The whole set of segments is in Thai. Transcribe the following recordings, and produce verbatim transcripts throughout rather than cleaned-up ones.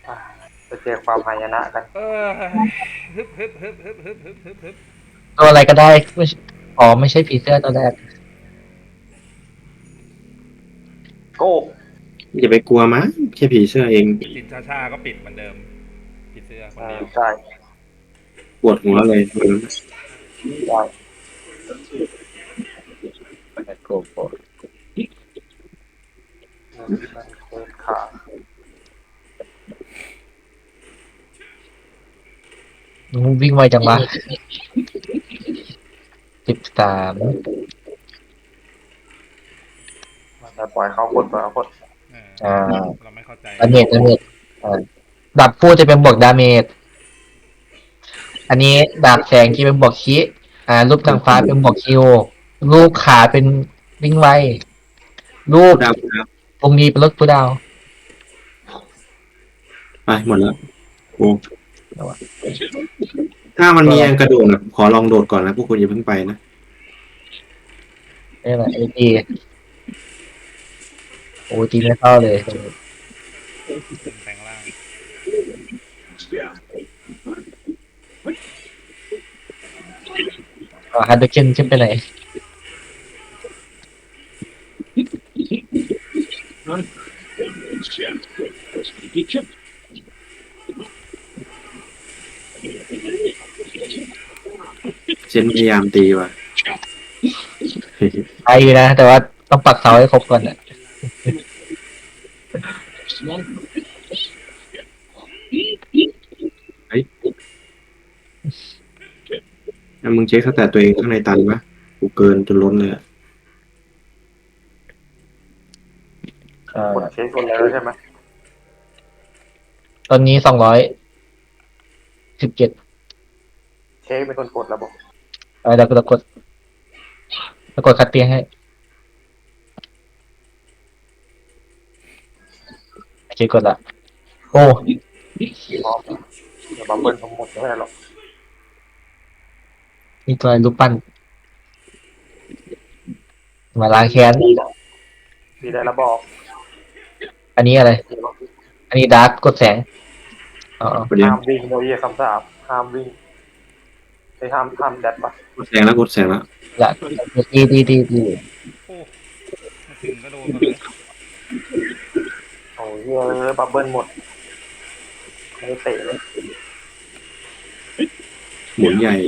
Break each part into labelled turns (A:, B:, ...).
A: อ่าจะเจอความหายนะกัน
B: เออฮึบฮึบฮึบฮึบฮึบฮึบฮึบฮึบ
C: ตัวอะไรก็ได้ไม่ใช่อ๋อไม่ใช่ผีเสื้อตัวแรก
A: โก้
D: อย่าไปกลัวมั้งแค่ผีเสื้อเอง
B: ปิดชาชาก็ปิดเหมือนเดิมปิดเสื้อคน
A: อ่า
B: เดียว
A: ใช่
D: ปวดหัวเลยวันนั้น
A: ใช่
C: โกโก้
A: เงินมันเกิดขาด
C: วิ่งไวจังวะสิบสาม
A: มันจะปล่อยเขากดปล่อยเขากด
B: เออ
C: อ่า
B: เราไม่เข้าใจ
C: ดาเมจดาเมจอ่าดาบพูดจะเป็นบวกดาเมจอันนี้ดาบแสงที่เป็นบวกคิอ่ารูปนางฟ้าเป็นบวกคิวรูปขาเป็นวิ่งไวรูป
D: กูดาวกูดาว
C: ตรงนี้เป็นรถกูดาว
D: ไปหมดแล้วโอ้ถ้ามันมีอังกระโดดนะขอลองโดดก่อนนะพวกคุณอย่าเพิ่งไปนะ
C: นี่แหละไอตีโอ้ตีไม่เข้าเลย
B: ขึ้นแปลงล่าง
C: อ๋อฮันเดอร์เคนขึ้นไปไหน
D: เซนพยายามตีว่ะ
C: ไปอยู่นะแต่ว่าต้องปักเสาให้ครบก่อนอ่ะ
D: เฮ้ยแล้วมึงเช็คสแตทตัวเองข้างในตันปะกูเกินจนล้นเลยอะ
C: เอ่อ
A: กดเช็คคนแล้วใช่ไหม
C: ตอนนี้สองร้อยสิบเจ็ด
A: เช็คเป็นคนกดแล้วบอก
C: เออเดี๋ยวกูจะกดจะกดคัดเตียงให้โอเคกดละโอ้
A: พร้อมเดี๋ยวบัมเบิลทั้งหมดไม่ได้หรอก
C: มีตัวรูปปั้นมาล้างแค้น
A: ดีได้ดีได้แล้วบอก
C: อันนี้อะไรอันนี้ดาร์กกดแสงอ๋อ
D: ประเดี๋ยว
A: ห้ามวิ่งโดยเยี่ยคำสาปห้ามวิ่งไปห้ามห้ามแดดปะ
D: กดแสงแล้วกดแสงแล้ว
C: ละดีดีดีดี
B: โอ้มาถึงก็โดนกันเลย
A: โอ้ยเยอะบับเบิลหมดไม่ได้เตะเลย
D: หมุนใหญ่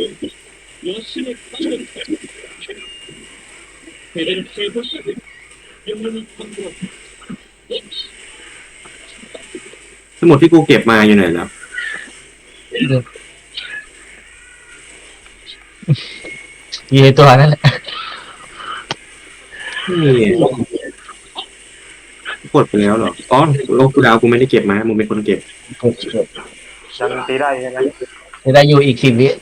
D: ทั้งหมดที่กูเก็บมาอยู่ไหนแล้ว
C: ยีตัวนั่นแหละ
D: นี่กดไปแล้วเหรออ๋อโลกกูดาวกูไม่ได้เก็บมามึงเป็นคนเก็บ
C: กดกด
A: ยังตีได้ใช่ไหม
C: จะได้อยู่อีกสิบวิ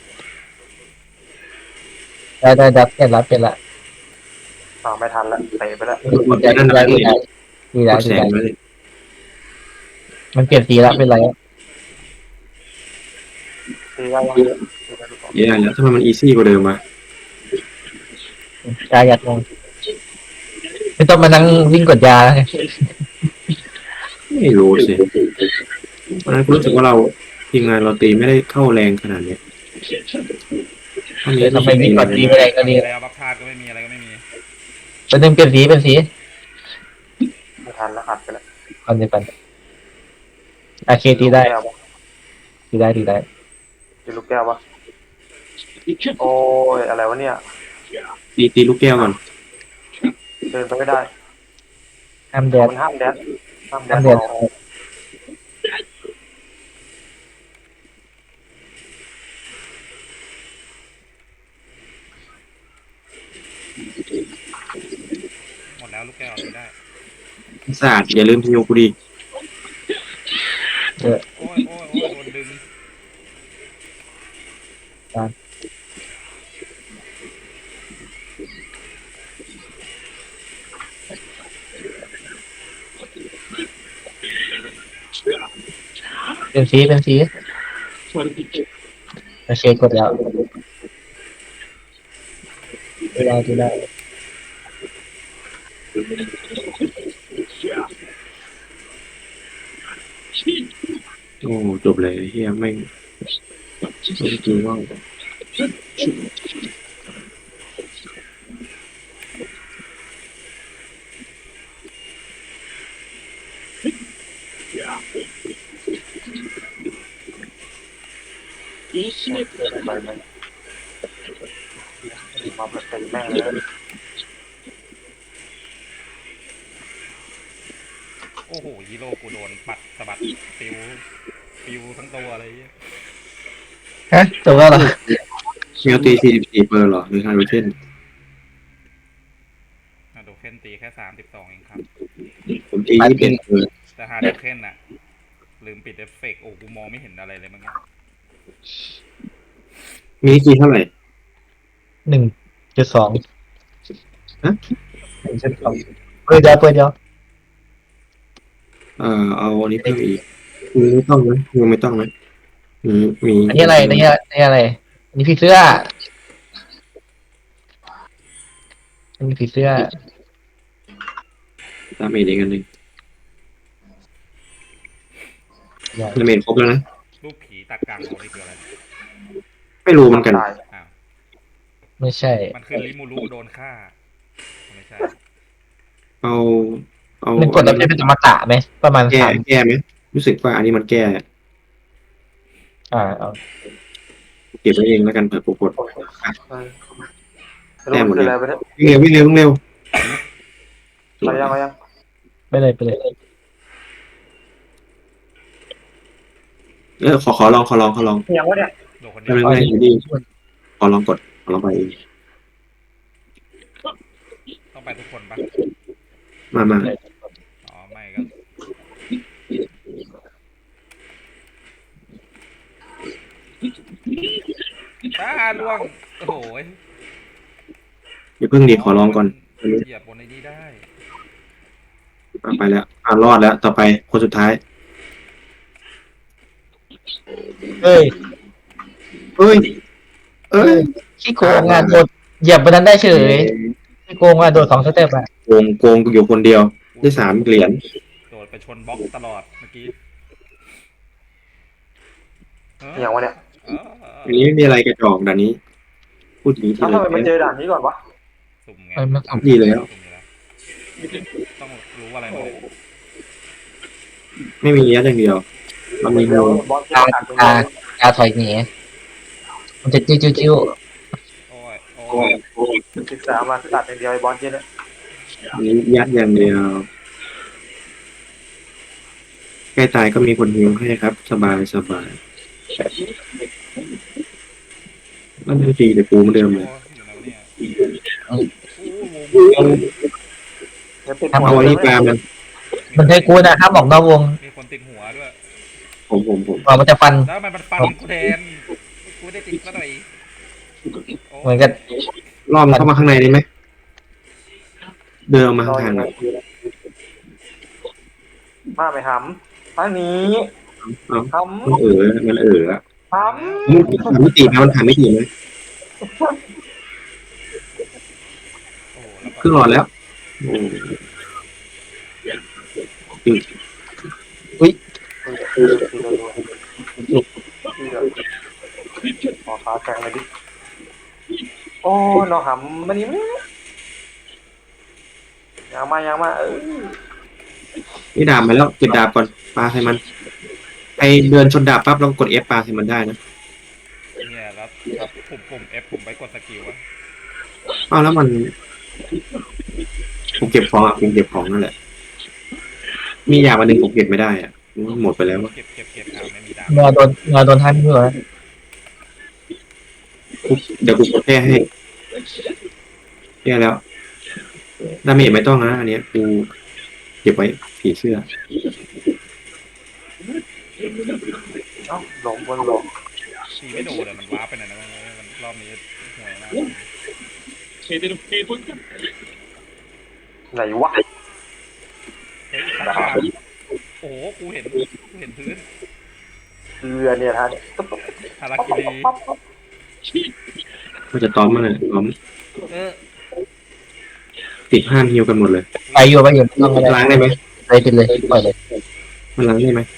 C: ได้ได้ดับเป็นละเป็นละ
A: อ่าไม่ทันละเตะไปแล้ว
D: กดไป
C: ดีได้
D: นั่นอะไร
C: ดีได้ดีได้ดีได้
D: กดแส
C: ดีได้
D: งมาเลย
C: มันเปลี่ยนสีละเป็นไร
A: ตีได้ยังตีได้หรือเปล่า
D: เย้แล้วทำไมมันอีซี่กว่าเดิมวะ
C: กายหยัดลงไม่ต้องมานั่งวิ่งกดยาแล้วไง
D: ไม่รู้สิวันนั้นกูรู้สึกว่าเราทีมงานเราตีไม่ได้เข้าแรงขนาดเนี้ยตอนนี้
C: แต่ทำไมวิ่งกดดี
B: ไม่
C: ไม่ได้ก็ดี
B: แล้วบัฟธาตุก็ไม่มีอะไรก็ไม่มี
C: เป็นหนึ่งเปลี่ยนสีเป็นสี
A: ไม่ทันแล้วอัดไปแล้ว
C: คอนเดียวกันโอเคตีได้ตีได้ตีได้
A: ตีลูกแก้วปะโอ้ยอะไรวะเนี่ย
D: ตีตีลูกแก้วก่อน
A: เดินไปไม่ได้
C: ห้ามแดด
A: มันห้ามแดดห้ามแด
C: ห้าม
A: ด
C: แดด
A: เรา
B: หมดแล้วลูกแก้วตีได้
D: ศาสตร์อย่าลืมฮิวกูดิ
C: เออ
B: โอ้ยโอ้ยโอ้ยโดนดึง
C: เป็นสีเป็นสีโอเคกดแล้วตีได้ตีได้
D: โอ้จบเลยเฮียไม่งไม่จริงว่า
A: ไปไหมมาเป็นตีแม่งเลย
B: โอ้โหฮีโร่กูโดนปัดสะบัดปิวปิวทั้งตัวอะไรเงี้ย
C: ฮะจบแล้วเหรอ
D: เมียวตีสี่สิบสี่เปอร์เหรอหรือฮาร์โรเทน
B: ฮาโดเคนตีแค่สามสิบสองเองครับ
D: ผมตียี่สิบเอ็ดเปอร์
B: แต่ฮาโดเคนน่ะลืมปิดเอฟเฟกต์โอ้กูมองไม่เห็นอะไรเลยมั้งเนี่ย
D: มีกี่เท่าไหร่
C: หนึ่งจุดสอง
D: ฮะ
C: หนึ่งจุดสองเปิดเดียวเปิดเดียว
D: เอ่อเอาอันนี้เพิ่มอีกมีไม่ต้องไหมยังไม่ต้องไหมมีมี
C: อันนี้อะไรอันนี้อันนี้อะไรอันนี้ผีเสื้ออันนี้ผีเสื้อ
D: ตามเมจอีกอันหนึ่งตามเมจครบแล้วนะ
B: รูปผีตากลางของนี่คืออะไร
D: ไม่รู้เหมือนกัน
A: ตาย
B: อ้าว
C: ไม่ใช่
B: มันคือริมูรุโดนฆ่าไม่ใช่
D: เอาเอา
C: มันกดแล้วเป็นอมตะไหมประมาณ
D: แก้
C: สาม
D: แก้ไหมรู้สึกว่าอันนี้มันแก้
C: อ่าเอา
D: เก็บไว้เองแล้วกันเผื่อปรากฏ
A: แต้มหมดเลยไปเนี่ย
D: วิ่งเร็ววิ่งเร็ววิ่งเร็ว
A: ไปยังไปยัง
C: ไปเลยไปเลย
D: เออขอขอลองขอลองขอลอง
A: ยังวะเนี่ย
B: โดนคนเดี
D: ไม่
B: ยว
D: ไม่ไม่อยู่ดีขอลองกดขอลองไปเอง
B: ต้องไปทุกคนปะ
D: มามา
B: อ๋อไม่ก็ป้าล่วงโอ้โห
D: อย่าเพิ่งดีขอลองก่อน
B: เหยียบบนไอ้นี่ได้
D: อ่ะไปแล้วอ่ารอดแล้วต่อไปคนสุดท้าย
C: เอ้ย
D: เอ้ยเอ้ย
C: ขี้โกงอ่ะโดดเหยียบบนนั้นได้เฉยขี้โกงอ่ะโดดสองสเต็ปอ่ะ
D: โกงโกงอยู่คนเดียวได้สามเหรียญ
B: โดดไปชนบล็อกตลอดเมื่อกี้เออ
A: ยังวะเนี่ย
B: เออ
D: อันนี้ไม่มีอะไรกระจอกด่านนี้ พูดอย่างนี้ที
A: ทำ
D: เล
A: ไมมันเจ
D: ย
A: อด่านนี้ก่อนวะ
B: สุ่มไง
C: ไม่ไม่
D: ดีแล้ว
B: สุ่มอยู่แล้วต้องรู้อะไรหมดเลย
D: ไม่มีเนี้ยอย่างเดียวเรามี
A: เดี๋ยว
D: งู
A: บอสจะตัดเป็น
C: ตาตาถอยหนีมันจะจิ้วจิ้วจิ้ว
B: โอ้ยโอ้
D: โอ้
B: ย
D: ยโอ้ย
A: ศึกษามาตัดอย่างเดียวไอ้บอสเย็นเนี่ย
D: อันนี้ยัดอย่างเดียวใกล้ตายก็มีคนฮิวให้ครับ สบายสบายมันไม่ตีแต่ปูเหมือนเดิมเลย
B: โอ้ยอยู่ไหนวะเนี่ยโอ้โห
D: เอา
A: เดี๋ยวติด
D: เอาอันนี้ปลามัน
C: มันใช้กูนะห้ามออกนอกวง
B: มีคนติดหัวด้วย
D: ผมผมผม
C: ก่อนมันจะฟัน
B: แล้วมันมันฟันกูแทนกูไม่ได้ติดก็หน่อยโ
C: เหมือนกัน
D: รอบมันเข้ามาข้างในได้ไหมเดินออกมา
A: รออ
D: ห่าง
A: ยู่
D: ๆหน่
A: นะ
D: อย
A: มาไปหำทางนี้
D: เอา
A: ห
D: มันเออมันเอออะ
A: ำห
D: มันผ่านไม่ตีไหมมันผ่านไม่ตีไหม
B: โอ้โหแล้วก็
D: ครึ่งหลอดแล้วโอ้
A: ำขอขาแข็งเลยดิโอ้น้องหำมันนี่มั้ยยังมายังมาเออ
D: นี่ดาบมาแล้วเก็บดาบก่อนปาใส่มันไอเดินชนดาบปั๊บเรากด F ปาใส่มันได้นะ
B: เนี่ยแล้วครับปุ่มปุ่ม F ผมไปกดสกิลอะ
D: อ้าวแล้วมันผมเก็บของอ่ะผมเก็บของนั่นแหละ มีอย่างวันหนึ่งผมเก็บไม่ได้อ่ะหมดไปแล้ว
B: เก็บเก็บเก็บอ่าไม่มีดาบ
C: งอโดนงอโดนท่านเพื่อ
D: เดี๋ยวกูกดแก้ให้แก้แล้วดาเมจไม่ต้องนะอันเนี้ยกูเก็บไว้ผีเสื้อ
A: เอ้าหลงบนหลง
B: ตีไม่โดนเลยมันว้าร์ปไปไหนนะมันรอบนี้ห่วยมาก
A: ไหนวะ
B: เฮ้ยข้างๆโอ้โหกูเห็นกูเห็นพื้น
A: เรือเนี่ยท่าน
B: ฮาราคิรี
D: มันจะต้อมมันเลยต้อม
B: เออ
D: ติดห้ามฮิวกันหมดเลย
C: ไปอยู่ไปอยู่ต้องไม่ได้
D: ล้างได้ไหม
C: ไปเป็นเลยปล่อยเลย
D: มันล้างได้ไหม